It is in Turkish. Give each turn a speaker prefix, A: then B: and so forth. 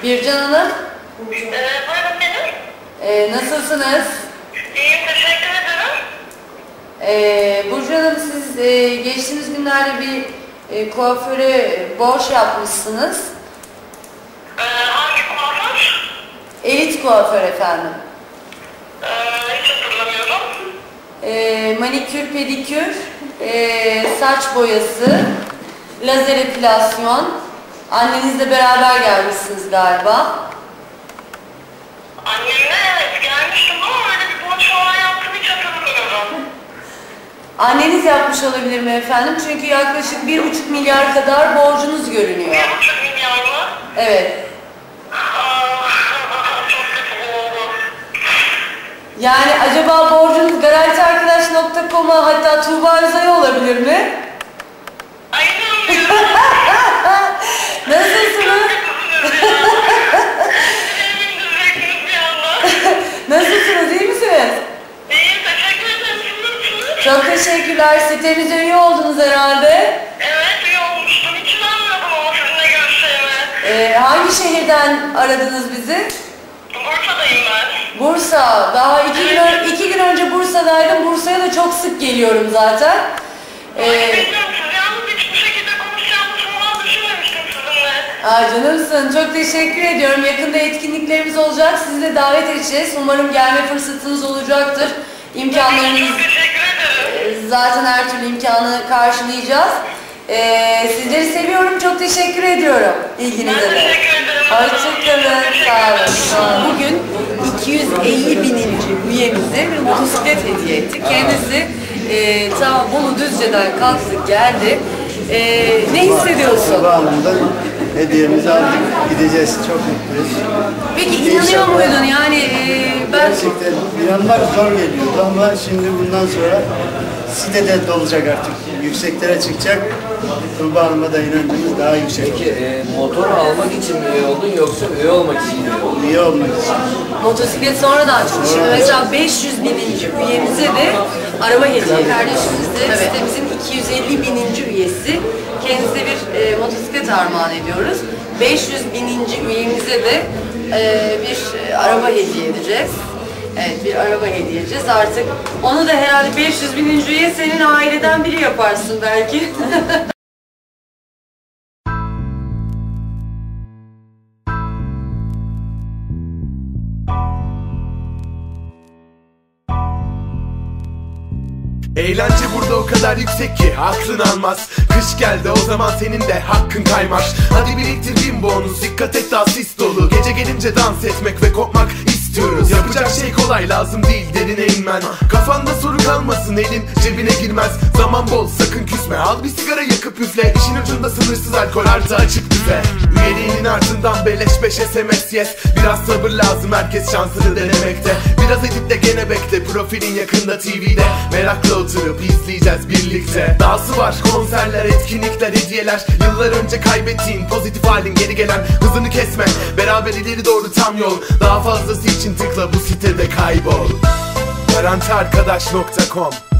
A: Bircan Hanım,
B: Buyurun benim.
A: nasılsınız?
B: İyiyim, teşekkür ederim.
A: Burcu Hanım, siz geçtiğimiz günlerde bir kuaföre borç yapmışsınız.
B: Hangi kuaför?
A: Elit kuaför efendim.
B: Hiç hatırlamıyorum.
A: Manikür, pedikür, saç boyası, lazer epilasyon. Annenizle beraber gelmişsiniz galiba.
B: Annemle evet gelmiştim ama öyle bir borç falan yaptım, hiç hatırlamıyorum.
A: Anneniz yapmış olabilir mi efendim? Çünkü yaklaşık 1,5 milyar kadar borcunuz görünüyor.
B: 1,5 milyar mı?
A: Evet.
B: Çok kötü oldu.
A: Yani acaba borcunuz garantiarkadaş.com'a, hatta Tuğba Özay'a olabilir mi?
B: Ay inanmıyorum.
A: Nasılsınız? Nasılsınız? İyi misiniz?
B: İyiyim, teşekkür ederim. Siz nasılsınız?
A: Çok teşekkürler. Sitemize üye oldunuz herhalde.
B: Evet, iyi olmuştum. Hiç inanmıyordum ama sizinle görüşeceğime.
A: Hangi şehirden aradınız bizi?
B: Bursa'dayım ben.
A: Bursa. Daha iki gün önce Bursa'daydım. Bursa'ya da çok sık geliyorum zaten.
B: Bilmiyorum, siz yalnız hiç bu şekilde konuşacağımızı falan düşünmemiştim sizinle.
A: Canımsın. Çok teşekkür ediyorum. Yakında etkinliklerimiz olacak. Sizi de davet edeceğiz. Umarım gelme fırsatınız olacaktır. İmkanlarınız...
B: Çok teşekkür ederim.
A: Zaten her türlü imkanı karşılayacağız. Sizleri seviyorum. Çok teşekkür ediyorum ilginize de.
B: Ben teşekkür ederim.
A: Hoşçakalın. Sağ olun. Bugün 250 bininci üyemize bir motosiklet hediye ettik. Kendisi ta Bolu Düzce'den kalktı geldi. Ne hissediyorsun?
C: Bağlamdan hediyemizi aldık. Gideceğiz. Çok mutluyuz.
A: Peki inanıyor muydun? Yani ben...
C: Gerçekten inanmak zor geliyordu ama şimdi bundan sonra sitede dolacak artık. Yükseklere çıkacak. Tuğba Hanım'a da inancımız daha yüksek.
D: Peki motor almak için mi üye oldun yoksa üye olmak için mi üye oldun?
C: İyi olmak için.
A: Motosiklet sonradan çıktı. Şimdi mesela 500 bininci üyemize de araba hediye. Kardeşimiz de sitemizin 250 bininci üyesi. Kendisine bir motosiklet armağan ediyoruz. 500 bininci üyemize de bir araba hediye edeceğiz. Evet, bir araba hediye edeceğiz. Artık onu da herhalde 500 bininci üye senin aileden biri yaparsın belki.
E: Eğlence burada o kadar yüksek ki aklın almaz. Kış geldi, o zaman senin de hakkın kaymaz. Hadi biriktir bin bonus, dikkat et daha sis dolu. Gece gelince dans etmek ve kopmak istiyoruz. Yapacak şey kolay, lazım değil derine inmen. Kafanda soru kalmasın, elin cebine girmez. Zaman bol, sakın küsme, al bir sigara yakıp üfle. İşin ucunda sınırsız alkol artı açık büfe. Üyeliğinin ardından beleş 5 SMS yes. Biraz sabır lazım, herkes şansını denemekte. Biraz edip de gene bekle, profilin yakında TV'de. Merakla oturup izleyeceğiz birlikte. Dahası var, konserler, etkinlikler, hediyeler. Yıllar önce kaybettiğin pozitif halin geri gelen. Hızını kesme, beraber ileri doğru tam yol. Daha fazlası için tıkla bu sitede kaybol. Garantiarkadaş.com